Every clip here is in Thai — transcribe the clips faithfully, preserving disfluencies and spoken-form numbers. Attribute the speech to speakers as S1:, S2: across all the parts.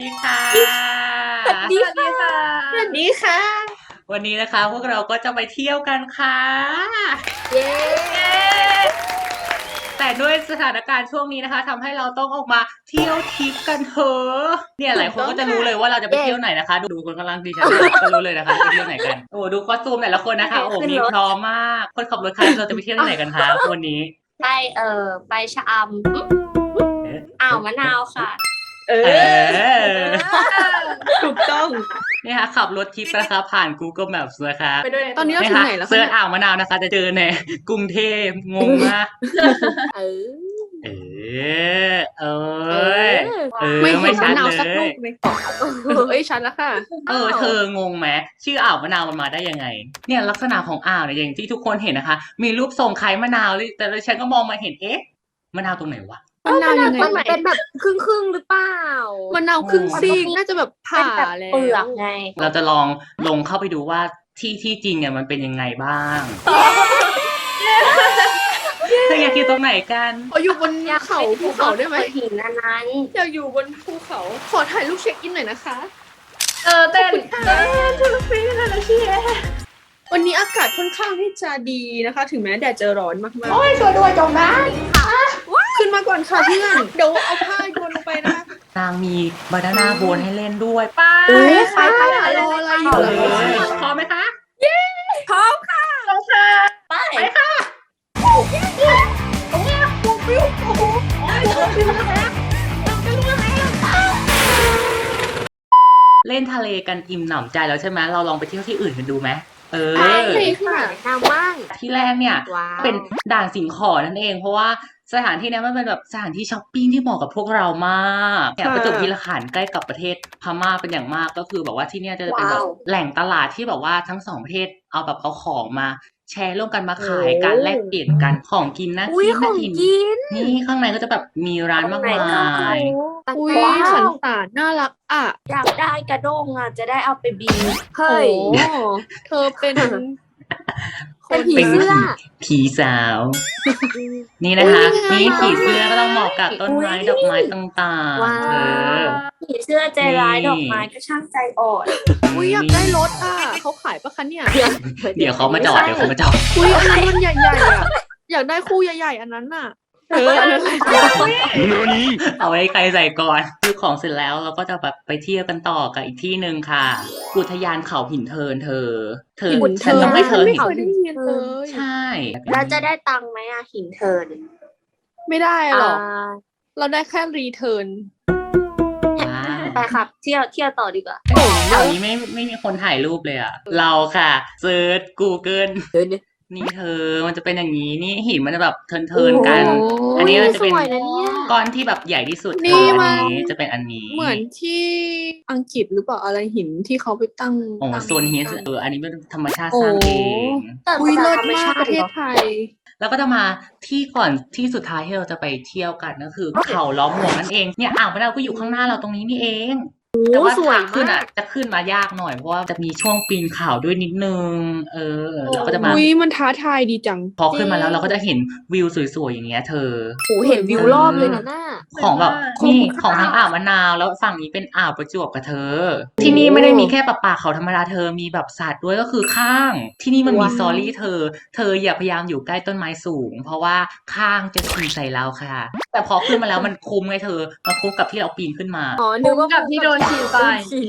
S1: ดีค่ะ
S2: สวัสดีค่ะ
S3: สวัสดีค่ะ
S1: วันนี้นะคะพวกเราก็จะไปเที่ยวกันค่ะ
S2: เย้
S1: แต่ด้วยสถานการณ์ช่วงนี้นะคะทำให้เราต้องออกมาเที่ยวทริปกันเถอะเนี่ยหลายคนก็จะรู้เลยว่าเราจะไปเที่ยวไหนนะคะ ดูคนกำลังดิฉันก็รู้เลยนะคะจะไปเที่ยวไหนกันโอ้ดูคอสตูมแต่ละคนนะคะโอ้มีพร้อมมากคนขับรถคันเราจะไปเที่ยวที่ไหนกันคะวันนี้
S2: ไปเอ่อไปชะอำอ่าวมะนาวค่ะ
S3: เอ
S1: เอ
S3: อ
S1: อ
S3: ถูกต้อง
S1: เนี่ยค่ะขับรถทริปนะคะผ่าน Google Maps นะคะ
S3: ไปด้วยตอนนี้เรา
S1: นะ
S3: ถึง
S1: คะ
S3: ไหนแล้ว
S1: เซิร์ช
S3: คะ
S1: อ่าวมะนาวนะคะ จะเจอในกรุงเทพงงมาก
S2: เออ
S1: เออเอ้ยเออ
S3: ไม่
S1: ไม่
S3: เห็น
S1: ชั
S3: มะ
S1: ด
S3: นาว
S1: เล
S3: สักลู
S1: ย
S3: กเลยเอ้ยชัดแล้วค่ะ
S1: เออเธองงไหมชื่ออ่าวมะนาวมันมาได้ยังไง เนี่ยลักษณะของอ่าวเนี่ยอย่างที่ทุกคนเห็นนะคะ มีรูปทรงคล้ายมะนาวเลยแต่ฉันก็มองมาเห็นเอ๊ะมะนาวตรงไหนวะ
S3: มะนาวยังไง
S2: มันเป็นแบบครึ่งครึ่งๆหรือเปล่าม
S3: ะนาวครึ่งซีกน่าจะแบบ
S2: เป็
S3: ผ่าน
S2: แบบ
S3: แล้ว
S2: เปลือกไง
S1: เราจะลองลงเข้าไปดูว่าที่ที่จริงเนี่ยมันเป็นยังไงบ้างเธออยากอยู่ตรงไหนกัน
S3: ขออยู่บน
S2: อยาก
S3: เขาภูเขาได้ไหม
S2: หินอันนั้น
S3: อยากอยู่บนภูเขา ขอถ่ายรูปเช็คอินหน่อยนะคะ
S4: เออเต้น
S3: เต้นทุกปีเลยนะพี่วันนี้อากาศค่อนข้างที่จะดีนะคะ ถึงแม้แดดจะร้อนมากๆ
S4: โอ้ยช่วยด้วยจมน้
S3: ขึ้นมาก่อนค่ะเพื่อนเดี๋ยวเอาผ้าโยนลงไปนะคะ
S1: นางมีบานาน่าโบนให้เล่นด้วย
S4: ำไป
S3: เอ้ย
S4: ไปไป
S3: รออะไรอยู่
S1: เอ
S3: ล่ะ
S1: อพร้อมไหมคะ
S4: พร้อมค่ะลงค่ะ
S2: ไป
S4: ไปค่ะโอ้ยโอ้ยโอ้ยโอ้โหโอ้ยโอ้ยนะคะเราจะรู้ไหม
S1: เล่นทะเลกันอิ่มหนำใจแล้วใช่ไหมเราลองไปเที่ยวที่อื่นกันดูไหมเออ
S2: ไปค่ะน้ำว่าง
S1: ที่แรกเนี่ย
S2: ว้าว
S1: เป็นด่านสิงขอนั่นเอง เพราะว่าสถานที่เนี้ยมันเป็นแบบสถานที่ช้อปปิ้งที่เหมาะกับพวกเรามากเนี่ยประจวบคีรีขันธ์ใกล้กับประเทศพม่าเป็นอย่างมากก็คือแบบว่าที่เนี่ยจะเป็นแบบแหล่งตลาดที่แบบว่าทั้งสองประเทศเอาแบบเอาของมา แชร์ร่วมกันมาขายกันแลกเปลี่ยนกันของกินนะ
S2: อุ้ย
S1: กิน
S2: ข
S1: นะ
S2: อง
S1: กิน
S2: กิน
S1: นี่ข้างในก็จะแบบมีร้านมากมาย
S3: อุ้ย
S2: ว้า
S3: สัน
S2: ว
S3: สานน่ารักอ่ะ
S2: อยากได้กระด้งอ่ะจะได้เอาไปบีบ
S3: โอ้
S2: เฮ้ย
S3: เธอเป็น
S2: เป็นผี
S1: เป็น
S2: เสื้อ
S1: ผีสาว นี่นะคะ
S3: อุ๊ย
S1: นี่
S3: น่ารัก
S1: ผีเสื้อก็ต้องเหมาะกับต้นไม้
S2: อุ๊ย
S1: ดอกไม้ต่างๆ
S2: ว้า
S1: เออ
S2: วผีเสื้อใจร้าย
S1: นี่
S2: ดอกไม้ก็ช่างใจอ่อน
S3: อุ้ยอยากได้รถอ่ะเขาขายปะคะเนี่ย
S1: เดี๋ยวเขามาจอดเดี๋ยวเขามาจอด
S3: อุ้ยอันนั้นมันใหญ่ๆอ่ะอยากได้คู่ใหญ่ๆอันนั้นน่ะเอออันนั้น
S1: เอาไว้ใครใส่ก่อนซื้อของเสร็จแล้วเราก็จะแบบไปเที่ยวกันต่อกับอีกที่หนึ่งค่ะ อุทยานเขาหินเทินเธอ เธอ
S3: หิน
S1: ฉัน
S3: เทิน
S1: ต้องให้เธอ
S3: ไม่
S1: เห็น
S3: เคยได้ยินเลย
S1: ใช่
S2: แล้วจะได้ตังค์ไหมอะหินเทิร์น
S3: ไม่ได้หรอก
S2: อ่า
S3: เราได้แค่รีเทิร์น
S1: ว้าว
S2: ไปครับ เที่ยวเที่ยวต่อดีกว่า
S1: แถวนี้ไม่ไม่มีคนถ่ายรูปเลยอ่ะ เราค่ะเซิร์ช Google
S2: เดินเนี่ย
S1: นี่เธอมันจะเป็นอย่างนี้นี่หินมันจะแบบเทินๆกัน
S3: โอ้
S1: อันนี้มันจะเป็น
S2: สวยนะเนี่ย
S1: ก้อนที่แบบใหญ่ที่สุด
S3: นี่
S1: คือ
S3: มั
S1: อั
S3: น
S1: นนี้จะเป็นอันนี้
S3: เหมือนที่อังกฤษหรือเปล่าอะไรหินที่เขาไปตั้ง
S1: โอ้
S3: ตั้ง
S1: โซนนี้เอออันนี้เป็นธรรมชาติ
S3: โอ้
S1: สร้างเอง
S2: แต่
S3: อุ้ยเลิศ
S2: ธรร
S3: มาก
S2: ชา
S3: ประเทศ
S2: หอ
S3: ไทย
S1: แล้วก็จะมาที่ก่อนที่สุดท้ายที่เราจะไปเที่ยวกันก็คือเขาล้อมหมวกนั่นเองเนี่ยอ่าวมะนาวก็อยู่ข้างหน้าเราตรงนี้นี่เอง แต่ว่า
S2: สวย
S1: ทางขึ้น
S2: มา
S1: อ่ะ
S2: ก
S1: จะขึ้นมายากหน่อยเพราะว่าจะมีช่วงปีนเขาด้วยนิดนึง เออเราก็จะมา
S3: อุ้ยมันท้าทายดีจัง
S1: พอขึ้นมาแล้วเราก็จะเห็นวิวสวยๆอย่างเงี้ยเธอ
S2: โหเห็นวิวรอบเลยนะน่า
S1: ของแบบ
S2: คุ้ม
S1: นี่
S2: ค่า
S1: ของทั้งอ่าวมะนาวแล้วฝั่งนี้เป็นอ่าวประจวบกับเธอ ที่นี่ไม่ได้มีแค่ป่าป่าเขาธรรมดาเธอมีแบบสัตว์ด้วยก็คือข้าง ที่นี่มันมี
S3: ว้าว
S1: สตอรี่เธอ เธออย่าพยายามอยู่ใกล้ต้นไม้สูง เพราะว่าข้างจะขี่ใส่เราค่ะ แต่พอขึ้นมาแล้วมันคุ้มไงเธอมันคุ้มกับที่เราปีนขึ้นมา
S2: อ๋อนึกว่า
S4: กับที่โดนขี่ไป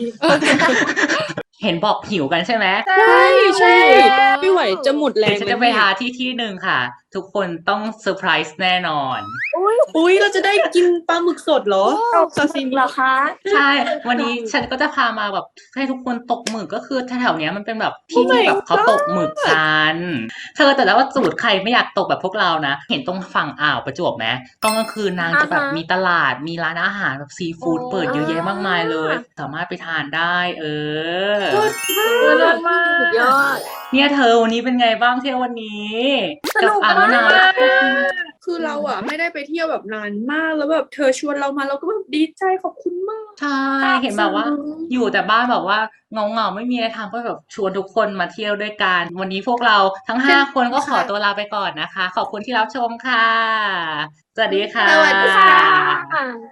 S1: เห็นบอกหิวกันใช่ไหม
S3: ใช่ใช่ไม่ไหวจะหมดแร
S1: เดี๋ย
S3: ง
S1: วฉันจะไปหาที่ที่หนึ่งค่ะ ทุกคนต้องเซอร์ไพรส์แน่นอน
S3: อุ้ยเราจะได้กินปลาหมึกสดเหรอซาซิมิ
S2: เหรอคะ
S1: ใช่ วันนี้ฉันก็จะพามาแบบให้ทุกคนตกหมึกก็คือแถวๆเนี้ยมันเป็นแบบที่ที่แบบเขาตกหมึกกัน เธอแต่แล้วว่าสูตรใครไม่อยากตกแบบพวกเรานะ เห็นตรงฝั่งอ่าวประจวบไหมตอนกลางคืนนางจะแบบมีตลาดมีร้านอาหารแบบซีฟู้ดเปิดเยอะแยะมากมายเลย สามารถไปทานได้ เออ
S4: เลิศมาก
S2: สุดยอด
S1: เนี่ยเธอวันนี้เป็นไงบ้างเที่ยววันนี้
S4: สนุก
S1: อ่าวมะนาว
S4: มาก
S3: คือเราอ่ะไม่ได้ไปเที่ยวแบบนานมากแล้วแบบเธอชวนเรามาเราก็แบบดีใจขอบคุณมาก
S1: ใช่เห็นแบบว่า อยู่แต่บ้านแบบว่าเงาเงาๆไม่มีอะไรทำก็แบบชวนทุกคนมาเที่ยวด้วยกัน วันนี้พวกเราทั้งห้าคนก็ขอตัวลาไปก่อนนะคะ ขอบคุณที่รับชมค่ะ สวัสดีค่ะ
S3: สวัสดีค่ะ
S2: ค่ะ